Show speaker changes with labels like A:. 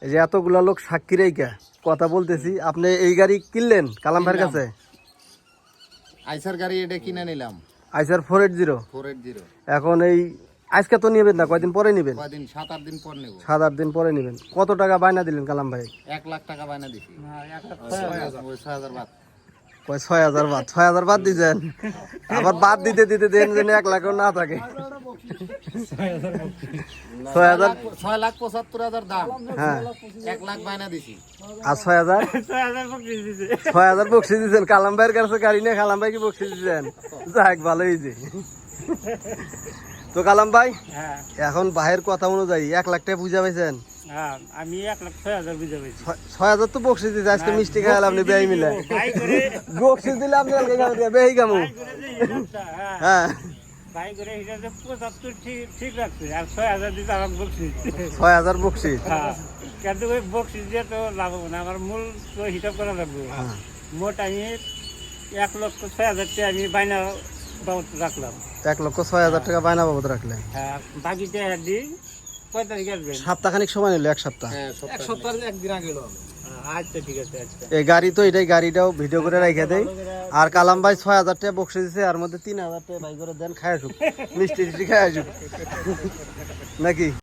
A: এই যে এতগুলা লোক সাক্ষী রেখা কথা বলতেছি, আপনি এই গাড়ি কিনলেন কালাম ভাইয়ের কাছে?
B: আইসার গাড়ি এটা কিনে নিলাম,
A: আইসার 480।
B: 480।
A: এখন এই আজকে তো নেবেন না, কয়দিন পরে নেবেন?
B: কয়দিন, 7-8 দিন পর নেব।
A: 7-8 দিন পরে নেবেন। কত টাকা বায়না দিলেন কালাম ভাই?
B: 1 লাখ টাকা বায়না দিছি। 6,000 বাদ।
A: কয় 6,000 বাদ? 6,000 বাদ দিয়েছেন, আবার বাদ দিতে দিতে দেন যেন 1 লাখও না থাকে।
B: 6,75,000 দাম,
A: হ্যাঁ
B: 1 লাখ বায়না দিছি।
A: আর 6,000 বকশিস দিয়েছেন কালাম ভাইয়ের কাছে গাড়ি নিয়ে। কালাম ভাই কি বকশিস দিয়েছেন? যাক ভালো হয়েছে। তো কালাম ভাই এখন ভাইয়ের কথা অনুযায়ী 1 লাখ টাকা বুঝা পাইছেন?
C: আমি 1,06,000 বুঝে পেয়েছি।
A: 6,000 তো বকশিস দিয়েছে, আজকে মিষ্টি খাইলাম আপনি বেই মিলে। বকশিস দিলে আপনি বেই কামু। হ্যাঁ
C: ভাই করে হিসাবে 75 ঠিক রাখছে, আর 6,000 দিতে আমার বকশিস।
A: 6,000 বকশিস।
C: কিন্তু ওই বকশিস দিয়ে তো লাভ হবে না, আমার মূল তো হিসাব করা লাগবে। মোট আমি 1,06,000 টাকা আমি বাইনা বাবদ রাখলাম।
A: 1,06,000 টাকা বায়না বাবদ রাখলেন।
C: হ্যাঁ, বাকিটা দিই। কয় তারিখে আসবেন?
A: সপ্তাহখানিক সময় নিল, 1 সপ্তাহ।
B: এক সপ্তাহের একদিন আগে এলো।
C: আচ্ছা ঠিক আছে। আচ্ছা
A: এই গাড়ি তো এটাই, গাড়িটাও ভিডিও করে রেখে দেয়। আর কালাম ভাই 6,000 টাকা বকশিস দিছে, আর মধ্যে 3,000 টাকা ভাই করে দেন, খায় আসুক, মিষ্টি টিষ্টি খায় আসুক নাকি?